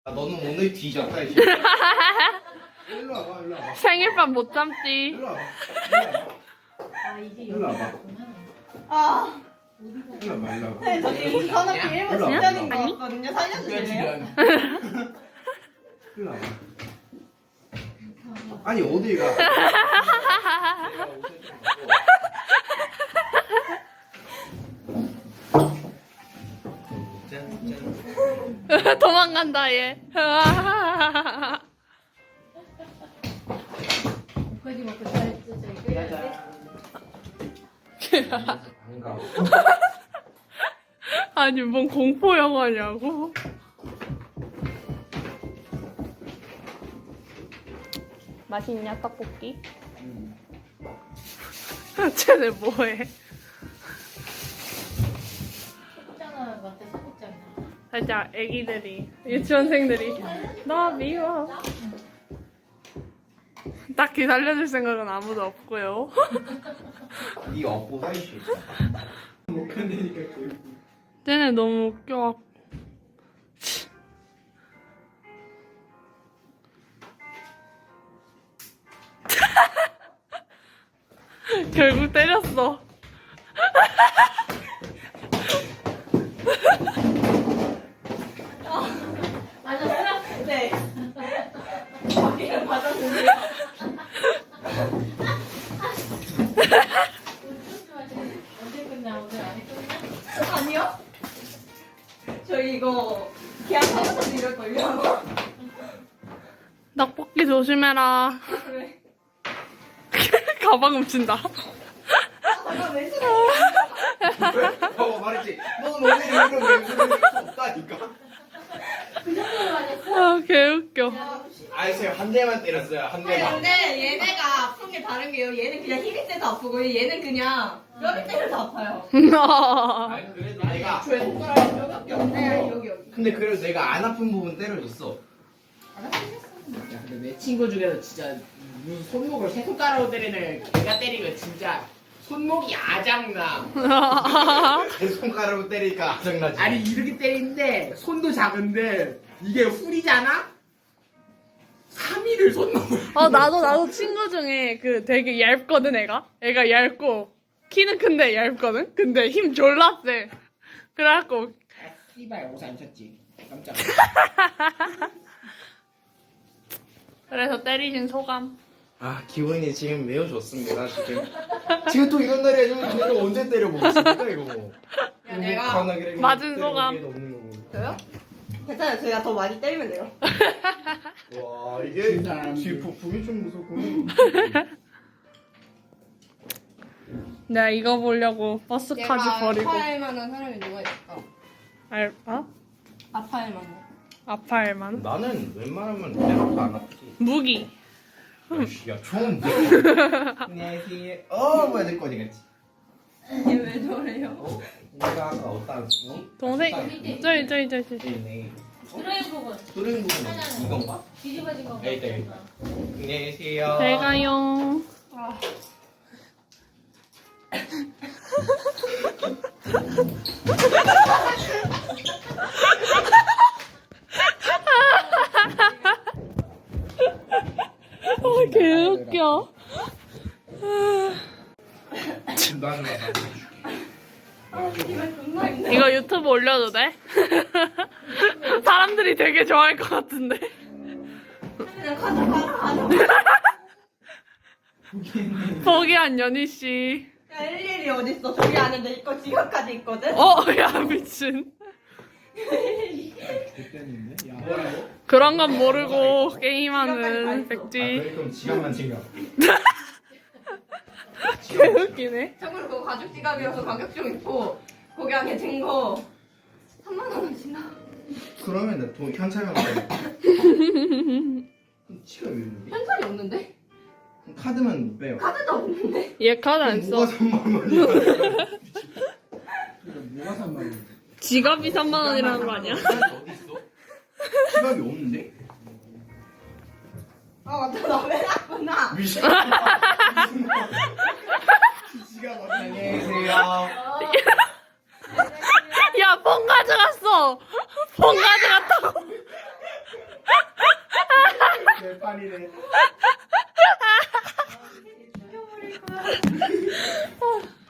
너는 오늘 뒤졌다 이제. 일로 와봐, 일로 와봐. 생일밤 못 참지. 일로 와봐. 일로 와봐. 아, 일로 와봐, 일로 와봐. 네, 저 지금 저는 비밀번 일로 와봐. 직전인 거 아니? 같거든요. 살려주실래요? 일로 와봐. 아니 어디 가? 도망간다 얘. 고기 먹고 잘 반가워. 아니 뭔 공포 영화냐고. 맛있냐 떡볶이? 쟤네 뭐해? 먹잖아, 맞대 소극장. 살짝 애기들이 유치원생들이 나 미워. 딱히 살려줄 생각은 아무도 없고요. 네 업고 살수 있어. 못 견디니까 거의. 쟤네 너무 웃겨. 결국 때렸어. 맞았어요? 네. 거기를 맞았는데. 언제 끝나? 오늘 안에 끝나? 아니요. 저희 이거 계약하면서 이럴걸요? 떡볶이 조심해라. 그래. 가방 훔친다. 잠깐 왜 왜? 봐봐 말했지. 넌 오늘 이런 게 없다니까. 그 정도로 맞았어? 아 개웃겨. 아니 제가 한 대만 때렸어요. 한 아니 대만. 근데 얘네가 아픈 게 다른 게요. 얘는 그냥 힘이 세서 아프고 얘는 그냥 뼈를 때려서 아파요. 아니 그래도 내가 저의 손가락에 뼈밖에 없네. 여기. 근데 그래도 내가 안 아픈 부분 때려줬어. 야, 근데 내 친구 중에서 진짜 무슨 손목을 세 손가락으로 때리는 걔가 때리면 진짜 손목이 아작나. 제 손가락으로 때리니까 짜증나지. 아니 이렇게 때리는데 손도 작은데 이게 훌이잖아? 3일을 손목을. 나도 친구 중에 그 되게 얇거든 애가 얇고 키는 큰데 얇거든. 근데 힘 졸라 세. 그래갖고 씨발 옷 안 쳤지. 깜짝. 그래서 때리신 소감. 아 기분이 지금 매우 좋습니다. 지금 또 이런 날이야. 지금 내가 언제 때려보겠습니까 이거. 야, 내가 맞은 소감. 저요? 괜찮아요. 제가 더 많이 때리면 돼요. 와 이게 진짜 뒤폭풍이 좀 무섭고. 내가 이거 보려고 버스까지 버리고. 아파할 만한 사람이 누가 있을까? 알바? 아파할 만한. 아파할 만. 나는 웬만하면 내가 안 아프지. 무기. 야 좋은데. 안녕하세요. 뭐야 내 거지 같지. 얘왜 저래요? 내가 아까 어디다 놨지? 동생 저기. 네. 드라이 부분. 뚜른 부분 이건가? 뒤집어진 거. 여기 있다, 여기 있다. 안녕하세요. 잘 가요. 아. 개웃겨. 나는 기분 존나 힘들어. 이거 유튜브 올려도 돼? 사람들이 되게 좋아할 것 같은데. 그냥 가자. 포기한 연희 씨. 야, 일일이 어딨어? 저기 안에 내 거 지갑까지 있거든? 야 미친. 그때는데? 야, 뭐라고? 그런 건 모르고 게임하는 백지. 그럼 지갑만 챙겨. 개웃기네. 참고로 그거 가죽 지갑이어서 가격 좀 있고 거기 안에 든거 3만 원이나. 그러면 나돈 현찰만 받아. 지갑이 있는데? 현찰이 없는데? 그럼 카드만 못 빼요. 카드도 없는데? 얘 카드 안 뭐가 써. 3만 원이야? 뭐가 3만 원? 지갑이 3만 원이라는 거 아니야? 어디 있어? 지갑이 없는데? 아 맞다, 나 왜 났구나. 미친. 지갑 어디? 안녕하세요. 야, 폰 가져갔어. 폰 가져갔다고. 내 팔이네. 죽여버릴 거야.